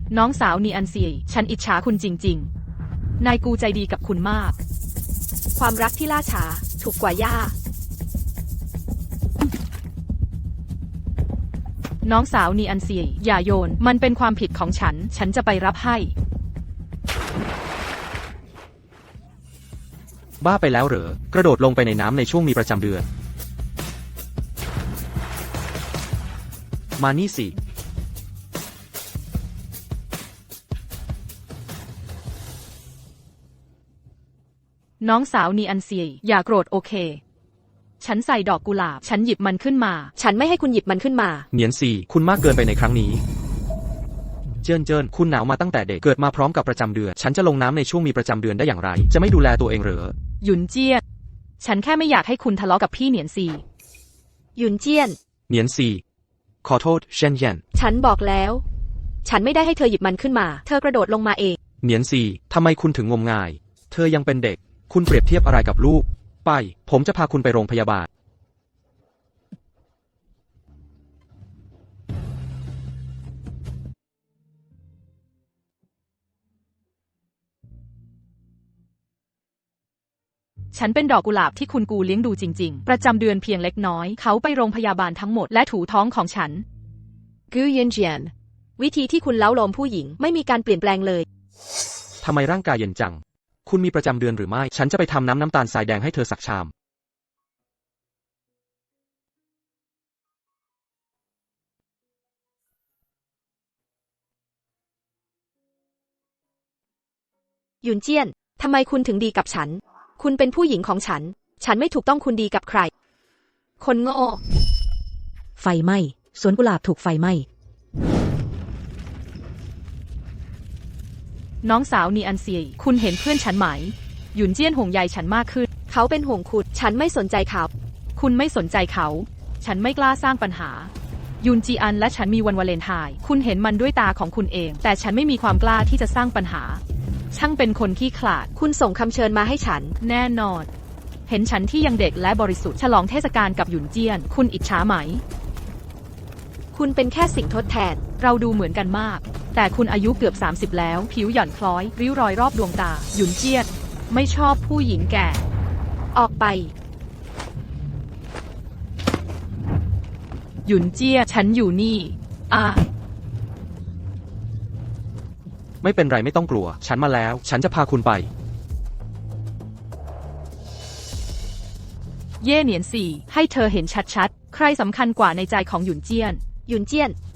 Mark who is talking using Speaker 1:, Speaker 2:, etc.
Speaker 1: น้องสาวนีอันเซียฉันอิจฉาคุณจริงๆนายกูใจดีกับคุณมาก
Speaker 2: ความรักที่ล่าช้าถูกกว่าย่า
Speaker 1: น้องสาวนีอันเซียอย่าโยนมันเป็นความผิดของฉันจะไปรับให้
Speaker 3: บ้าไปแล้วเหรอกระโดดลงไปในน้ำในช่วงมีประจำเดือนมานี่สิ
Speaker 1: น้องสาวนีอันเซียอย่าโกรธโอเคฉันใส่ดอกกุหลาบฉันหยิบมันขึ้นมา
Speaker 2: ฉันไม่ให้คุณหยิบมันขึ้นมา
Speaker 3: เหนียนซีคุณมากเกินไปในครั้งนี้เจิ้นคุณหนาวมาตั้งแต่เด็กเกิดมาพร้อมกับประจำเดือนฉันจะลงน้ำในช่วงมีประจำเดือนได้อย่างไรจะไม่ดูแลตัวเองเหรอ
Speaker 1: หยุนเจี้ยนฉันแค่ไม่อยากให้คุณทะเลาะกับพี่เหนียนซี
Speaker 2: หยุนเจี้ยน
Speaker 3: เหนียนซีขอโทษเชนเย็น
Speaker 2: ฉันบอกแล้วฉันไม่ได้ให้เธอหยิบมันขึ้นมาเธอกระโดดลงมาเอง
Speaker 3: เหนียนซีทำไมคุณถึงงมงายเธอยังเป็นเด็กคุณเปรียบเทียบอะไรกับลูกไปผมจะพาคุณไปโรงพยาบาล
Speaker 1: ฉันเป็นดอกกุหลาบที่คุณกูเลี้ยงดูจริงๆประจำเดือนเพียงเล็กน้อยเขาไปโรงพยาบาลทั้งหมดและถูท้องของฉัน
Speaker 2: กูเย็นเจียนวิธีที่คุณเล้าโลมผู้หญิงไม่มีการเปลี่ยนแปลงเลย
Speaker 3: ทำไมร่างกายเย็นจังคุณมีประจำเดือนหรือไม่ฉันจะไปทำน้ำตาลทรายแดงให้เธอสักชาม
Speaker 2: หยุนเจี้ยนทำไมคุณถึงดีกับฉันคุณเป็นผู้หญิงของฉันไม่ถูกต้องคุณดีกับใครคนโง่
Speaker 4: ไฟไหม้สวนกุหลาบถูกไฟไหม้
Speaker 1: น้องสาวนีอันเซียคุณเห็นเพื่อนฉันไหมหยุนเจี้ยนห่วงใยฉันมากขึ้น
Speaker 2: เขาเป็นห่วงคุณฉันไม่สนใจเขา
Speaker 1: คุณไม่สนใจเขาฉันไม่กล้าสร้างปัญหายุนจีอันและฉันมีวันวาเลนไทน์คุณเห็นมันด้วยตาของคุณเองแต่ฉันไม่มีความกล้าที่จะสร้างปัญหาช่างเป็นคนขี้ขลาด
Speaker 2: คุณส่งคำเชิญมาให้ฉัน
Speaker 1: แน่นอนเห็นฉันที่ยังเด็กและบริสุทธิ์ฉลองเทศกาลกับหยุนเจี้ยนคุณอิจฉาไหม
Speaker 2: คุณเป็นแค่สิ่งทดแทน
Speaker 1: เราดูเหมือนกันมากแต่คุณอายุเกือบ30แล้วผิวหย่อนคล้อยริ้วรอยรอบดวงตาหยุนเจี้ยนไม่ชอบผู้หญิงแก่
Speaker 2: ออกไป
Speaker 1: หยุนเจี้ยฉันอยู่นี่
Speaker 3: ไม่เป็นไรไม่ต้องกลัวฉันมาแล้วฉันจะพาคุณไป
Speaker 1: เย่เหนียนสี่ให้เธอเห็นชัดๆใครสำคัญกว่าในใจของหยุนเจี้ยน
Speaker 2: หยุนเจี้ยน